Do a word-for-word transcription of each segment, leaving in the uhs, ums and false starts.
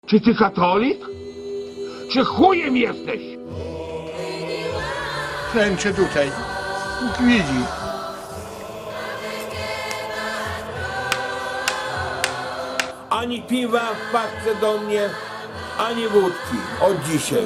Czy ty katolik? Czy chujem jesteś? Klęczę tutaj. Bóg widzi. Ani piwa w paczce do mnie, ani wódki od dzisiaj.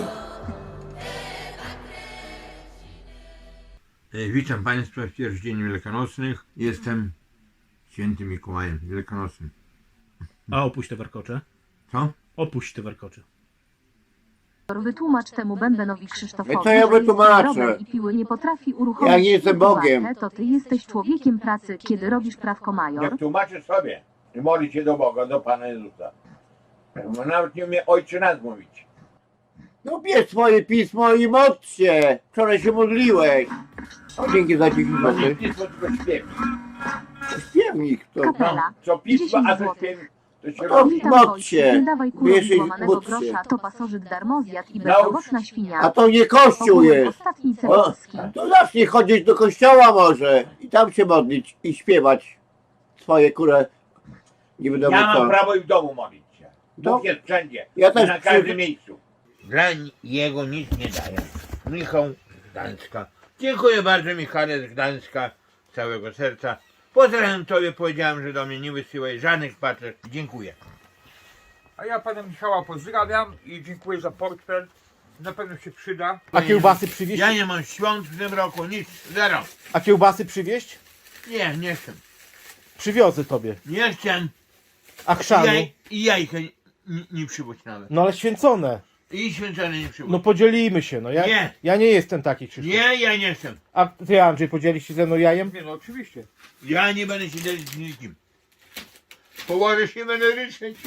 E, Witam Państwa w pierwszy dzień wielkanocnych. Jestem świętym Mikołajem Wielkanocnym. A opuść te warkocze. Co? Opuść te warkocze. Wytłumacz temu bębenowi Krzysztofowi, To ja że jest wytłumaczę. zdrowy i piły nie potrafi uruchomić. Ja nie jestem pułapkę, Bogiem. To ty jesteś człowiekiem pracy, kiedy robisz prawko major. Jak tłumaczysz sobie i modlić się do Boga, do Pana Jezusa. Bo nawet nie umie ojczy nas mówić. No bierz swoje pismo i modl się. Wczoraj się modliłeś. O, dzięki za dziesięć To nie złotych. pismo, tylko śpiewnik. Śpiewnik to. Kapela. Co pismo, dziesięć a co złotych. śpiewnik, to się No, robi. Witam modl Wojciech, się. nie dawaj kurom Wiesz, złamanego módl się. grosza, to pasożyt darmozjad i Naucz. bezowocna świnia. A to nie kościół Ogólnie jest. ostatni O, celoski. to zacznij chodzić do kościoła może. I tam się modlić i śpiewać swoje kurę. Nie wiadomo Ja mam co. prawo i w domu modlić się. No. Bóg jest wszędzie. Ja I też na każdym przy- miejscu. Dla jego nic nie daje. Michał z Gdańska. Dziękuję bardzo, Michale z Gdańska. Z całego serca. Pozdrawiam Tobie, powiedziałem, że do mnie nie wysyłaj żadnych paczek. Dziękuję. A ja pana Michała pozdrawiam i dziękuję za portfel. Na pewno się przyda. A kiełbasy przywieźć? Ja nie mam świąt w tym roku, nic, zero. A kiełbasy przywieźć? Nie, nie chcę. Przywiozę tobie. Nie chcę. A chrzanu? Jaj, I jajka nie, nie przywódź nawet. No ale święcone. I święcone nie przywódź. No podzielimy się, no ja, Nie. ja nie jestem taki, Krzysztof. Nie, ja nie chcę. A ty, Andrzej, podzielisz się ze mną jajem? Nie no, oczywiście. Ja nie będę się dzielić z nikim. Położę się, będę ryczeć.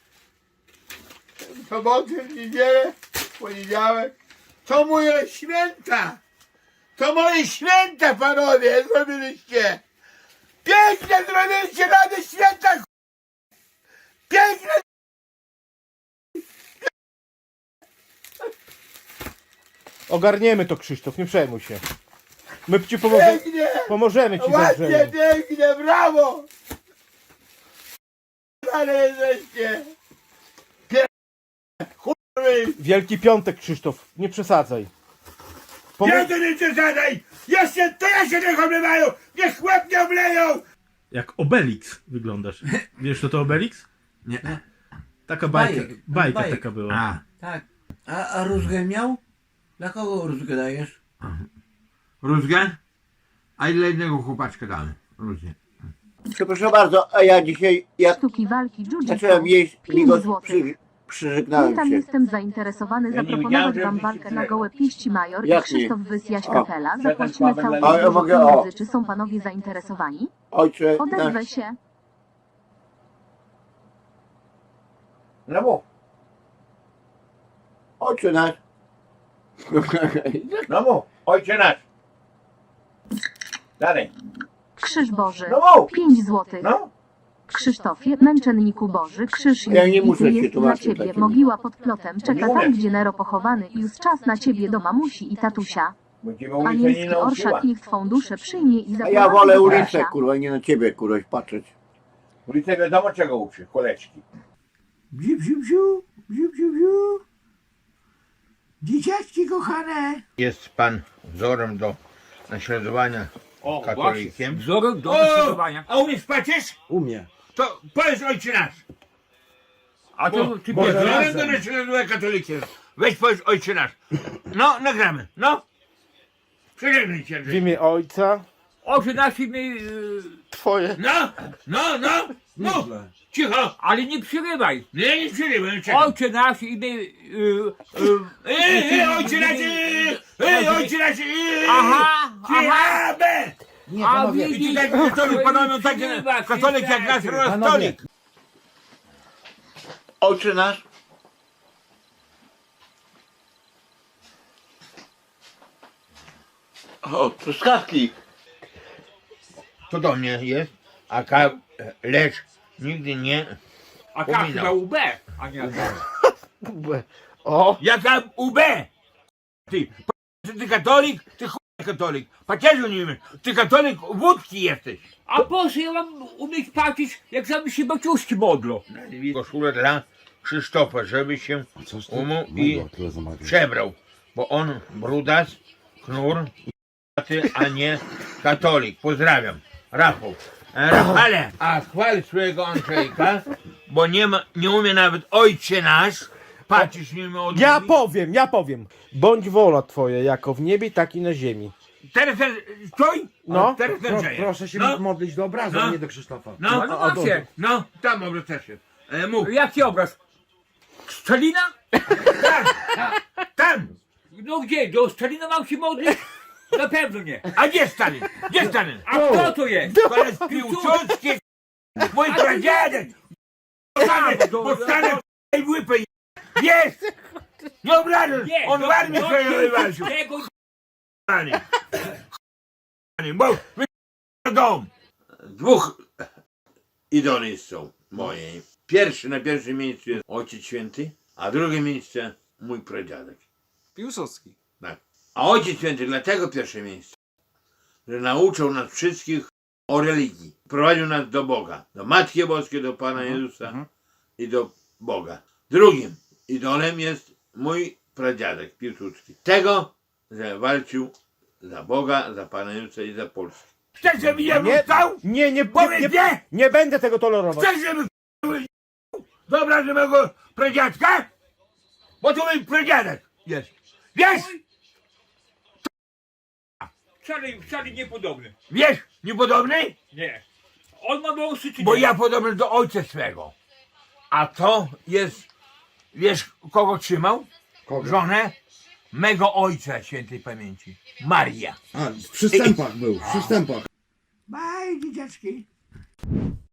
W sobotę, w niedzielę, w poniedziałek. To moje święta! To moje święta, panowie, zrobiliście! Pięknie zrobiliście na te święta! ch***. Pięknie! Ogarniemy to, Krzysztof, nie przejmuj się. My ci pomożemy, Pięknie! pomożemy ci Ładnie, Andrzeju. pięknie, brawo! Ale jesteście! Pięknie! Chuj! Wielki Piątek, Krzysztof, nie przesadzaj. Pomo- Ja to nie przesadzaj! Jeszcze, to ja się niech oblewają! Niech łeb nie obleją! Jak Obelix wyglądasz. Wiesz co to Obelix? Nie. Taka bajka, Bajek, bajka bajek. taka była. A, Tak. A, a rózgę miał? Dla kogo rózgę dajesz? rózgę? A ile jednego chłopaczka damy? Rózgę. Przepraszam bardzo, a ja dzisiaj jak Sztuki walki jiu-jitsu. zacząłem jeść, pięć migos złotych. przy, przyżegnałem Witam, się. jestem zainteresowany Ja nie zaproponować wiedziałem, że wam wy walkę się na gołe pięści major i Jak Krzysztof nie? Wysjaś O. kapela. Przestań Zapłacimy sławem całkiem dla Ale ja dużo mogę, o. pieniędzy. Czy są panowie zainteresowani? Ojcze Odezwę nasz. się. No mów, Ojcze nasz. no mów, ojcze nasz. Dalej, Krzyż Boży. no mów, pięć złotych. no. Krzysztofie, męczenniku Boży, krzyż Ja nie jest muszę bity, się jest dla tłumaczyć ciebie, takim. mogiła pod plotem, czeka Nie tam, umiem. gdzie Nero pochowany i już czas na ciebie do mamusi i tatusia. Bo cię ulica nie Anielski nauczyła. orszak niech twą duszę przyjmie i A zaprowadzi ja wolę do ulicę, Kasia. kurwa, nie na ciebie, kurwa, patrzeć. Ulica wiadomo czego uczy, koleczki. Bziu, bziu, bziu, bziu, bziu, bziu. Dzieciaczki kochane. Jest pan wzorem do naśladowania O, katolikiem. właśnie. Wzorem do O! naśladowania. A umiesz patrzeć? Umie. To powiedz ojcze nasz. A to ty Bo pierwszy wzorem raz. do naśladowania katolikiem. Weź powiedz ojcze nasz. No, nagramy, no. Przeżegnaj cię, W Andrzej. imię Ojca, Oczy nasi my... Yy, Twoje. No, no, no, no. Cicho. ale nie przerywaj. Nie, nie przerywaj, czekam. Ojcze nasz i my... Yy, yy, Ej, ej, ojcze nasz, ej, ej, ojcze nasz, ej. Aha, Cicho, aha. be. Nie, A panowie. I widzisz, tak katolik, panowie, tak Przerywa, katolik jak nasz przerywa. rostolik. Ojcze nasz. O, truskawki. To do mnie jest, a ka... lecz nigdy nie... A Pominął. tak chyba U B, a nie U B. O, Jaka U B? Ty, p- ty katolik? Ty chuj katolik. Pacierzu nie umiesz. Ty katolik wódki jesteś. A po co ja mam umieć patrzeć, jak sami się baciuszki modlą? Koszulę dla Krzysztofa, żeby się umył i przebrał, bo on brudas, knur, a nie katolik. Pozdrawiam. Rafał. E, Rafale, a chwal swojego Andrzejka, bo nie ma, nie umie nawet ojcze nasz. Patrzysz, nie umie odmówić. Ja powiem, ja powiem. Bądź wola twoja, jako w niebie, tak i na ziemi. Teraz stój. No. Teraz Andrzeja. Proszę się No. modlić do obrazu, No. a nie do Krzysztofa. No, No, no macie. no, tam obracasz się. E, mów. Jaki obraz? Stalina? Tam. No gdzie? Do Stalina mam się modlić? Na pewno nie. A gdzie Stalin? Gdzie Stalin? A kto to jest? Koleś Piłsudski, mój pradziadek. Bo Stalin i łypę jest. Nie obrażasz. Nie, On do- w armii do- swojej do- wywalczył. tego Bo wy dom. Dwóch idoli są moje. Pierwszy na pierwszym miejscu jest Ojciec Święty, a drugie miejsce mój pradziadek. Piłsudski. Tak. A Ojciec Święty dlatego pierwsze miejsce, że nauczył nas wszystkich o religii. Prowadził nas do Boga, do Matki Boskiej, do Pana Jezusa i do Boga. Drugim idolem jest mój pradziadek Piłsudski. Tego, że walczył za Boga, za Pana Jezusa i za Polskę. Chcesz, żeby ja Nie, stał? nie, nie, nie, Powiedz nie, nie! nie będę tego tolerować. Chcesz, żeby dobra, że mego pradziadka? Bo to mój pradziadek jest. Wiesz? wcale, wcale niepodobny. Wiesz? Niepodobny? Nie. On ma wąsy czy Bo nie? ja podobny do ojca swego. A to jest, wiesz kogo trzymał? Kogo? Żonę mego ojca świętej pamięci. Maria. A, w przystępach był, w przystępach. Baj, dzieciaczki.